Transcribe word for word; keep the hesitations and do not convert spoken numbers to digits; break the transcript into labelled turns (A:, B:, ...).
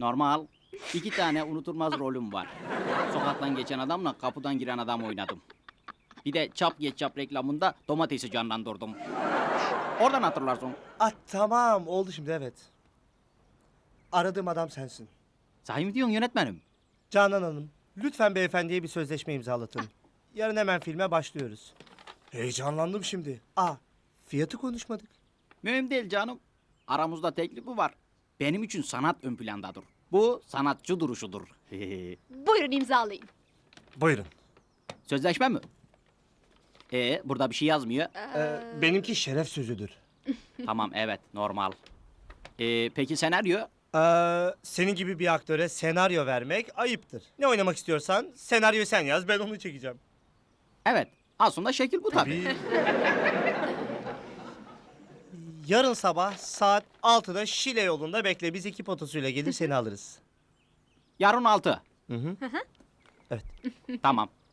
A: Normal. İki tane unutulmaz rolüm var. Sokaktan geçen adamla kapıdan giren adam oynadım. Bir de çap geç çap reklamında domatesi canlandırdım. Oradan hatırlarsın.
B: Ah tamam oldu şimdi evet. Aradığım adam sensin.
A: Sahi mi diyorsun yönetmenim?
B: Canan Hanım, lütfen beyefendiye bir sözleşme imzalatın. Yarın hemen filme başlıyoruz. Heyecanlandım şimdi. Aa, fiyatı konuşmadık.
A: Mühim değil canım. Aramızda teklifi var. Benim için sanat ön plandadır. Bu sanatçı duruşudur.
C: Buyurun imzalayın.
B: Buyurun.
A: Sözleşme mi? Ee, burada bir şey yazmıyor.
B: Ee, benimki şeref sözüdür.
A: Tamam, evet, normal. Ee, peki senaryo?
B: Ee, senin gibi bir aktöre senaryo vermek ayıptır. Ne oynamak istiyorsan senaryoyu sen yaz, ben onu çekeceğim.
A: Evet, aslında şekil bu tabii.
B: Yarın sabah saat altıda Şile yolunda bekle. Biz ekip otosuyla gelir seni alırız.
A: Yarın altı.
B: Hı hı.
A: Tamam.